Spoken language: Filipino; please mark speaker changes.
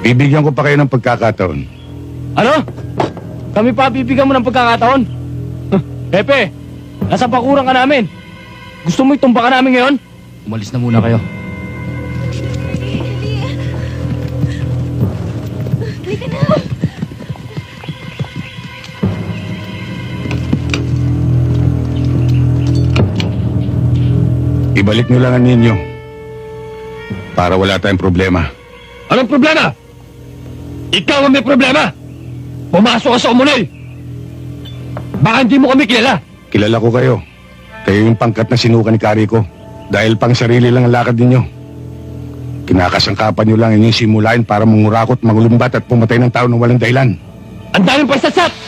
Speaker 1: Bibigyan ko pa kayo ng pagkakataon.
Speaker 2: Ano? Kami pa bibigyan mo ng pagkakataon? Pepe, nasa pakuran ka namin. Gusto mo itumba ka namin ngayon? Umalis na muna kayo.
Speaker 3: Halika na.
Speaker 1: Ibalik nyo lang ang ninyo. Para wala tayong problema.
Speaker 2: Anong problema? Ikaw ang may problema! Pumasok ka sa komunal! Baka hindi mo kami kilala!
Speaker 1: Kilala ko kayo. Kayo yung pangkat na sinuka ni Kariko. Dahil pang sarili lang ang lakad ninyo. Kinakasangkapan nyo lang inyong simulain para mangurakot, magulumbat at pumatay ng tao ng walang dahilan.
Speaker 2: Ang daming pagsasat!